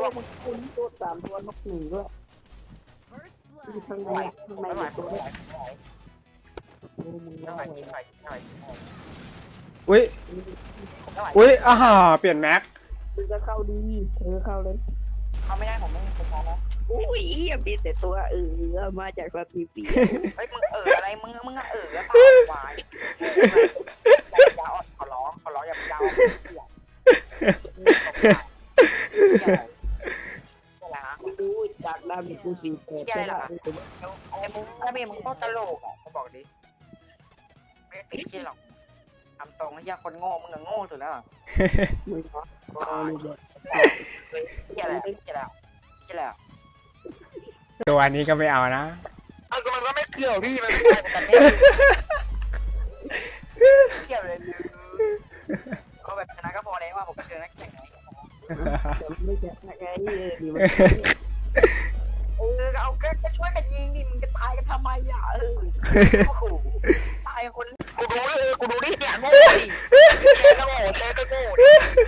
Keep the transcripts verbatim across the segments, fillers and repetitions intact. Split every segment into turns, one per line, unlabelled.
วมันคุณตัวสามตัวนกหนึ่งด้วยอยู่ข้างในข้างในอยู่ตัวนี้โอ้มึง
เท่า
ร้
ไห
อ
ร่
ย
เท่าไหร่เท่าไหร่
อุ้ย
เท่าไหร่
อุ้ยอ่าฮ่าเปลี่ยนแม็ก
มึงก็เข้าดีเธอเข้าเลย
เขาไม่ได้ผมไม่ผมมองนะ
อุ้ยอย่ามีแต่ตัวเออมาจากสตีปี
เฮ้ยมึงเอออะไรมึงมึงเออแล้วเปล่าวายยาอ่อนขอร้องขอร้องอย่าไปยาวอะไรฮะ
ดูจากดาบิกูสีเปิด
อะไรมึงถ้าเมียมึงก็ตลกอ่ะเขาบอกดิไม่ติดเชี่ยหรอกทำตรงไอ้ยาคนโง่มึงโง่สุดแล้ว
มึงเนาะเอาเลยเด็ก
เชี่ยอะไรเชี่ยอะไรเชี่ยอะไร
ตัวนี้ก็ไม่เอานะ
เอาก็มันก็ไม่เกี่ยวพี่มันไม่ใช่กันแน่เกี่ยวเลยเอาแบบชนะก็พอแล้วว่าผมเจอนักแข่งไหน
แต่ไม่จะไงเออดีมัน
เออเอาก็ช่วยกันยิงดิมึงจะตายกันทำไมอ่ะเออโอ้โหตายคนกูดูดิกูดูดิเนี่ยโง่ดิเจ๊ก็โง่เจ๊ก็โง่ดิ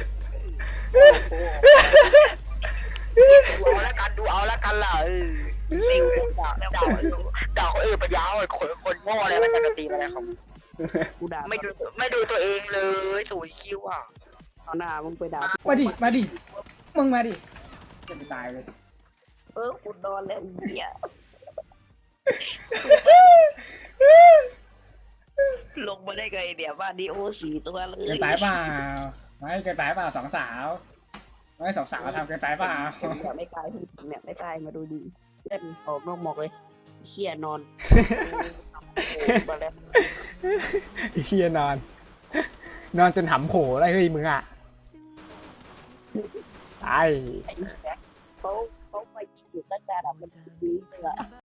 ดูเอาแล้วกันดูเอาแล้วกันล่ะเออดิวด่าด่าด่าคนอื่นปัญญาอ่อนคนคนโง่อะไรมันจะตีอะไรของ
กูด่า
ไม่ดูไม่ดูตัวเองเลยสูญคิวอ่ะ
เอาหน้ามึงไปด่า
มาดิมาดิมึงมาดิจะไปตายเลย
เออกูนอนแล้วเหี้ยลงมาได้ไงเดี๋ยวบ้านนี้โอ้สี่ตัวเลย
เกินไปเปล่าไม่เกินไปเปล่าสองสาวไม่สองสาวทำเกินไปเปล่า
แบบไม่ตายเนี่ยไม่ตายมาดูดีเพื่อนออกนอกหมอกเลยเชี่ยนอนมาแล้ว
เฮียนอน นอนจนหำโผล่ได้เฮ้ยมึงอ่ะตาย
เขาเขาไปยิงอยู่ตั้งแต่แบบมันดีเลยอะ